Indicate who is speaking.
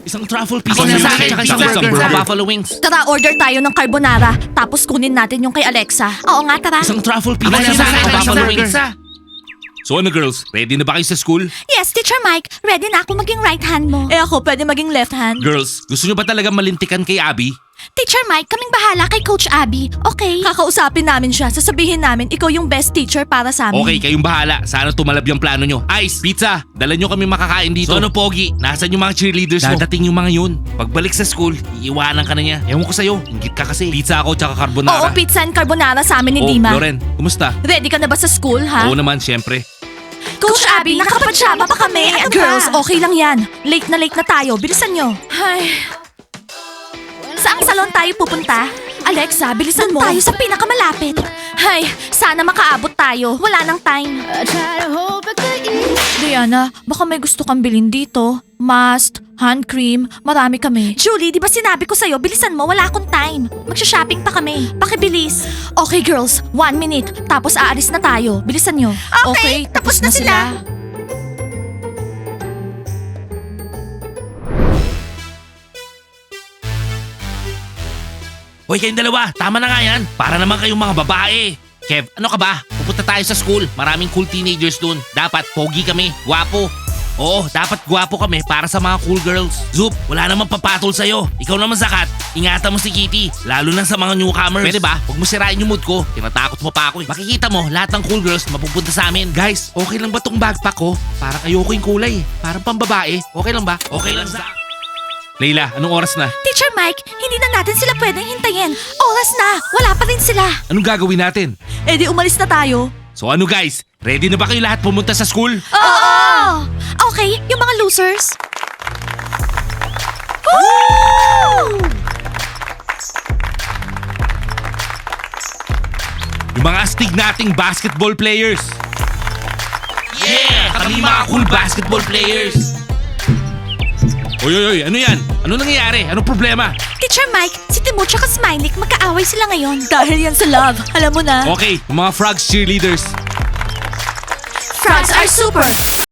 Speaker 1: Isang truffle pizza.
Speaker 2: Ako na sa akin,
Speaker 1: Tsaka
Speaker 2: pizza
Speaker 1: isang
Speaker 2: burger.
Speaker 1: buffalo wings.
Speaker 3: Tara, order tayo ng carbonara. Tapos kunin natin yung kay Alexa. Oo nga, tara.
Speaker 1: Isang truffle
Speaker 2: Ako
Speaker 1: pizza.
Speaker 2: na sa akin,
Speaker 1: Tsaka
Speaker 2: isang
Speaker 1: buffalo
Speaker 2: burger.
Speaker 1: wings. So ano girls, ready na ba kayo sa school?
Speaker 3: Yes, Teacher Mike. Ready na ako maging right hand mo. Eh ako, pwede maging left hand.
Speaker 1: Girls, gusto nyo ba talaga malintikan kay Abby?
Speaker 3: Teacher Mike, kaming bahala kay Coach Abby. Okay? Kakausapin namin siya. Sasabihin namin, ikaw yung best teacher para sa amin.
Speaker 1: Okay, kayong bahala. Sana tumalab yung plano nyo. Ice, pizza, dala nyo kami makakain dito. So ano, Pogi? Nasaan yung mga cheerleaders mo? Dadating yung mga yun. Pagbalik sa school, iiwanan ka na niya. Ewan ko sa'yo, ingit ka kasi. Pizza ako tsaka carbonara.
Speaker 3: Oo, pizza and carbonara sa amin ni Dima.
Speaker 1: Loren, kumusta?
Speaker 3: Ready ka na ba sa school, ha?
Speaker 1: Oo naman, syempre.
Speaker 3: Coach Abby, nakapagsyama pa kami. Girls, okay lang yan. Late na tayo. Bilisan nyo. Ay. Saang salon tayo pupunta? Alexa, bilisan mo. Tayo sa pinakamalapit. Ay, sana makaabot tayo. Wala nang time. Diana, baka may gusto kang bilhin dito. Mask, hand cream, marami kami. Julie, di ba sinabi ko sa'yo, bilisan mo, wala akong time. Magsha-shopping pa kami. Pakibilis. Okay girls, 1 minute, tapos aalis na tayo. Bilisan nyo. Okay, tapos na sila.
Speaker 1: Hoy, kayong dalawa, tama na nga yan. Para naman kayong mga babae. Kev, ano ka ba? Pupunta tayo sa school. Maraming cool teenagers dun. Dapat pogi kami, gwapo. Oo, dapat gwapo kami para sa mga cool girls. Zup, wala namang papatol sa'yo. Ikaw naman Zakat, ingatan mo si Kitty. Lalo na sa mga newcomers. Pwede ba? Huwag mo sirain yung mood ko. Tinatakot mo pa ako eh. Makikita mo, lahat ng cool girls mapupunta sa amin. Guys, okay lang ba tong backpack ko? Parang ayoko yung kulay eh. Parang pambabae. Okay lang ba? Okay lang Zak. Leila, anong oras na?
Speaker 3: Teacher Mike, hindi na natin sila pwedeng hintayin. Oras na, wala pa rin sila.
Speaker 1: Anong gagawin natin?
Speaker 3: Eh di umalis na tayo.
Speaker 1: So ano guys, ready na ba kayo lahat pumunta sa school?
Speaker 3: Oo! Okay, yung mga losers.
Speaker 1: Yung mga astig nating basketball players. Yeah! Kami mga cool basketball players. Oy, ano yan? Ano nangyayari? Anong problema?
Speaker 3: Teacher Mike, si Timur tsaka Smiley magkaaway sila ngayon. Dahil yan sa love, alam mo na.
Speaker 1: Okay, yung mga frogs cheerleaders.
Speaker 3: Frogs are super!